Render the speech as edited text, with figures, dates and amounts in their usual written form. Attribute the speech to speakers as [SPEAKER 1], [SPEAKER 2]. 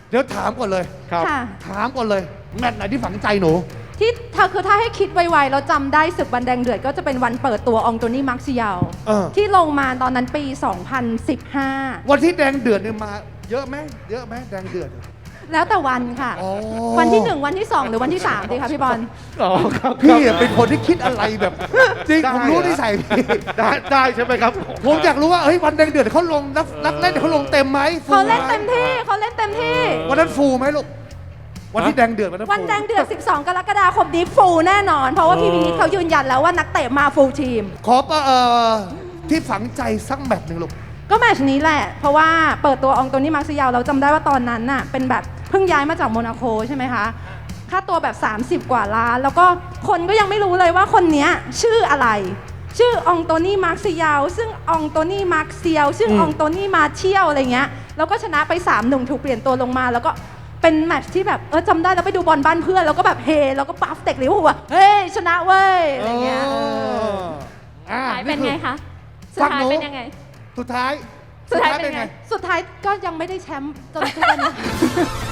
[SPEAKER 1] เดี๋ยวถามก่อนเลย
[SPEAKER 2] ครับ
[SPEAKER 3] ค่ะ
[SPEAKER 1] ถามก่อนเลยแมตช์ไหนที่ฝังใจหนู
[SPEAKER 3] ที่ถ้าให้คิดไวๆเราจำได้ศึกวันแดงเดือดก็จะเป็นวันเปิดตัวองโตนี่มาร์เซียล ที่ลงมาตอนนั้นปี 2015
[SPEAKER 1] วันที่แดงเดือดเนี่ยมาเยอะไหมเยอะไหมแดงเดือด
[SPEAKER 3] แล้วแต่วันค่ะ
[SPEAKER 1] อ๋อ
[SPEAKER 3] วันที่ 1 วันที่ 2 หรือวันที่ 3 ดีคะพี่บอล
[SPEAKER 2] อ๋อครับ
[SPEAKER 1] พี่อะเป็นคนที่คิดอะไรแบบ จริง
[SPEAKER 2] ได้
[SPEAKER 1] ผมรู้
[SPEAKER 2] เหรอ
[SPEAKER 1] นิสัยพี่
[SPEAKER 2] ได้ใช่ไหมครับ
[SPEAKER 1] ผมอยากรู้ว่าเฮ้ยวันแดงเดือดเขาลงนักเล่นเขาลงเต็มไหมฟู
[SPEAKER 3] เขาเล่น
[SPEAKER 1] ไห
[SPEAKER 3] เต็มที่เขาเล่นเต็มที่
[SPEAKER 1] วันนั้นฟูไหมลูกวันที่แดงเดือดวันนั้น
[SPEAKER 3] วัน
[SPEAKER 1] ฟู
[SPEAKER 3] แดงเดือด 12 กรกฎาคมนี้ฟูลแน่นอน เพราะว่าพี่วินิตเขายืนยันแล้วว่านักเตะมาฟูลทีม
[SPEAKER 1] ขอที่ฝังใจสักแมตช์หนึ่งลูก
[SPEAKER 3] ก็แมตช์นี้แหละ เพราะว่าเปิดตัวองโตนี่มาร์เซียลเราจำได้ว่าตอนนั้นน่ะเป็นแบบเพิ่งย้ายมาจากโมนาโคใช่ไหมคะ ค่าตัวแบบ 30 กว่าล้าน แล้วก็คนก็ยังไม่รู้เลยว่าคนเนี้ยชื่ออะไร ชื่อองโตนี่มาร์เซียลซึ่งองโตนี่มาร์เซียลซึ่งองโตนี่มาเชียลอะไรเงี้ยแล้วก็ชนะไป3-1ถูกเปลี่ยนตัวลงมาแล้วก็เป็นแมตช์ที่แบบจำได้แล้วไปดูบอลบ้านเพื่อนแล้วก็แบบเฮแล้วก็ปั๊ฟเด็กลิเวอร์พูลว่าเฮ้ยชนะเว้ยอะไรเงี้ย
[SPEAKER 1] อ่า
[SPEAKER 4] สุดท้ายเป็นไงคะ สุด
[SPEAKER 1] ฟัง
[SPEAKER 4] ท้าย
[SPEAKER 1] หนู
[SPEAKER 4] เป็นยังไง
[SPEAKER 1] สุดท้าย
[SPEAKER 4] สุดท้ายเป็นไง
[SPEAKER 3] สุดท้ายก็ยังไม่ได้แชมป์จนทุกวันนี้